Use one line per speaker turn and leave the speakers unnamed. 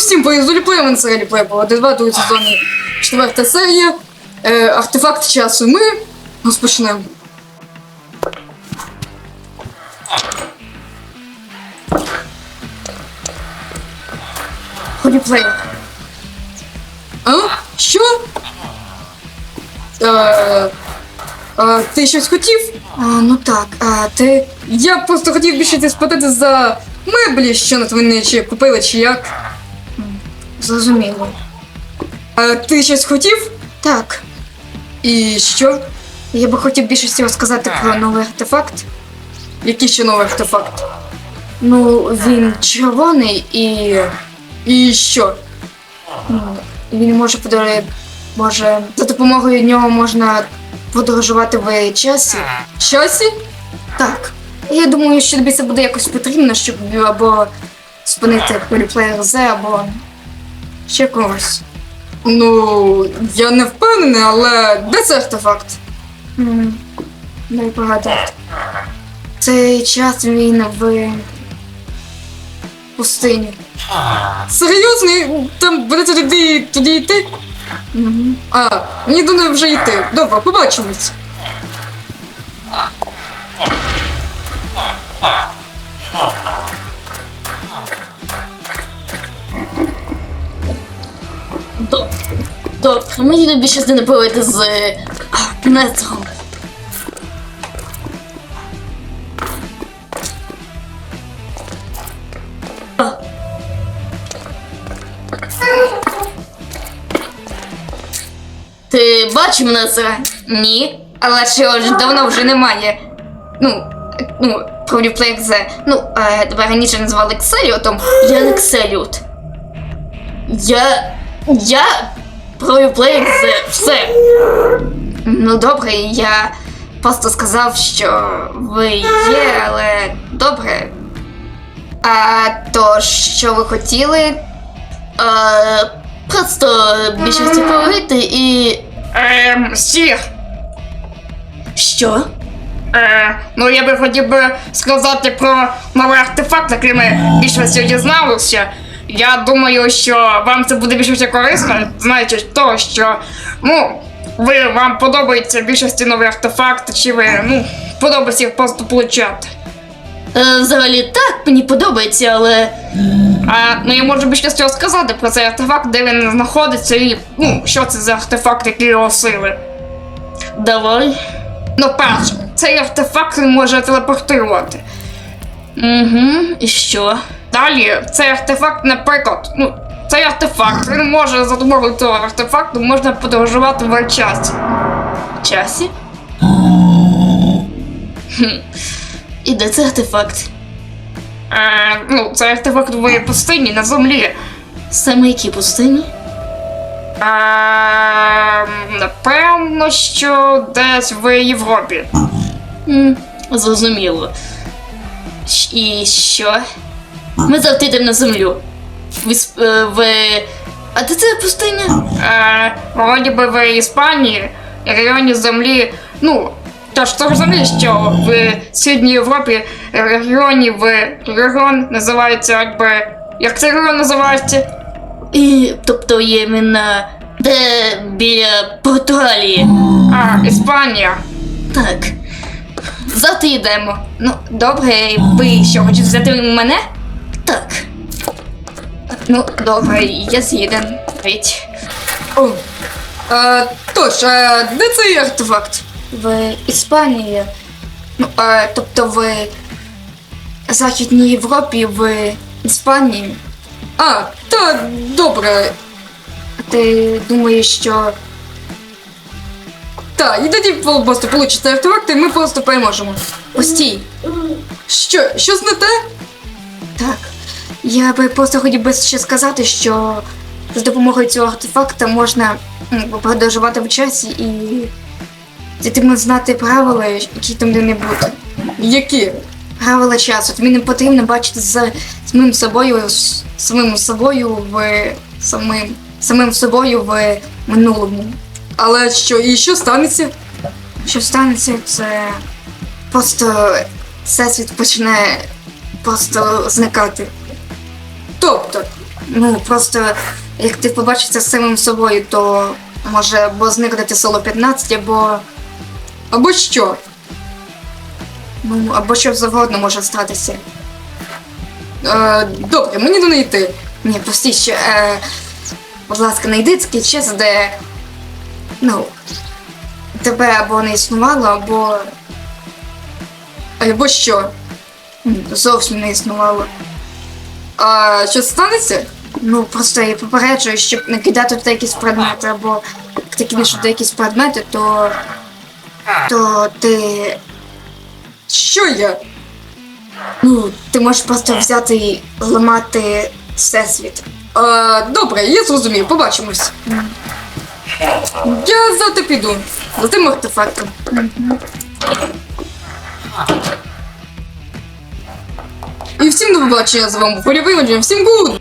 всім привіт, з Оліплеєм, це Оліплей, по 2 другій сезоні, 4 серія, артефакт часу. Ми розпочнемо. Оліплей. А? Що? Ти щось хотів? Ну так, ти... Я просто хотів більше спитати за меблі, що на твої чи купили, чи як. Зрозуміло. Ти щось хотів? Так. І що? Я би хотів більше розказати про новий артефакт. Який ще новий артефакт? Ну, він червоний і... І що? Він може, за допомогою нього можна подорожувати в часі. Часі? Так. Я думаю, що тобі це буде якось потрібно, щоб або спинити Оліплеєр З, або ще когось. Ну, я не впевнений, але де цей артефакт? Дай погадати. Цей час він в пустині. Серйозно? Там будете туди йти? Мені до неї вже йти. Добре, побачимось.
Добре, мені тобі щось не повити з Нетром. Ти бачив Нетра? Ні, але чого ж давно вже немає. Про Оліплеєр З. Тебе раніше називали Кселіотом, я не Кселіот. Я про Оліплеєр З. Все. Ну добре, я просто сказав, що ви є, але добре. То, що ви хотіли? Просто більше поговорити і...
Сір.
Що?
Я би хотів би сказати про новий артефакт, який ми більше сьогодні дізналися. Я думаю, що вам це буде більше корисно, знаючи того, що, вам подобається більшості новий артефакт, чи ви, подобається їх просто получати.
Взагалі так, мені подобається, але...
Я можу більше цього сказати про цей артефакт, де він знаходиться і, що це за артефакт, який його сили.
Давай.
Перше, цей артефакт він може телепортувати.
І що?
Далі, цей артефакт, наприклад, цей артефакт, він може за допомогою цього артефакту можна подорожувати в часі.
Часі? І де цей артефакт?
Цей артефакт в пустині на землі.
Саме які пустині?
Напевно, що десь в Європі.
Зрозуміло. І що? Ми завжди йдемо на землю. А де це пустиня?
Вроді би в Іспанії, регіоні землі, тож того ж землі, що в Східній Європі регіон називається, як цей регіон називається?
Тобто є іменно де біля Португалії.
Іспанія.
Так.
Завтра йдемо. Добре, ви що, хочете взяти мене?
Так.
Добре, я з'їдем.
Тож, де цей артефакт?
В Іспанії. Тобто в Західній Європі, в Іспанії.
Так, добре.
Ти думаєш, що...
Так, і тоді просто получите артефакт, і ми просто переможемо.
Постій.
Щось не те?
Так. Я би просто хотів би ще сказати, що з допомогою цього артефакта можна подорожувати в часі і потрібно знати правила, які там де не бути.
Які?
Правила часу. Тобі не потрібно бачити за самим собою в минулому.
Але що станеться?
Що станеться, це просто всесвіт почне просто зникати.
Тобто,
Ну, просто як ти побачишся з самим собою, то може або зникнути село 15, або.
Або що?
Ну, або що завгодно може статися.
Добре, мені до неї йти.
Ні, прості, що, будь ласка, знайди такий час, де, ну, тебе або не існувало, або
Або що?
зовсім не існувало.
А що станеться?
Ну, просто я попереджую, щоб не кидати туди якісь предмети, або як ти кинеш туди якісь предмети, то ти,
Що я?
ну, ти можеш просто взяти і зламати всесвіт.
Добре, я зрозумів, побачимось. Я завтра піду. За тим артефактом. І всім до побачення, з вами був Полівий, всім гуд!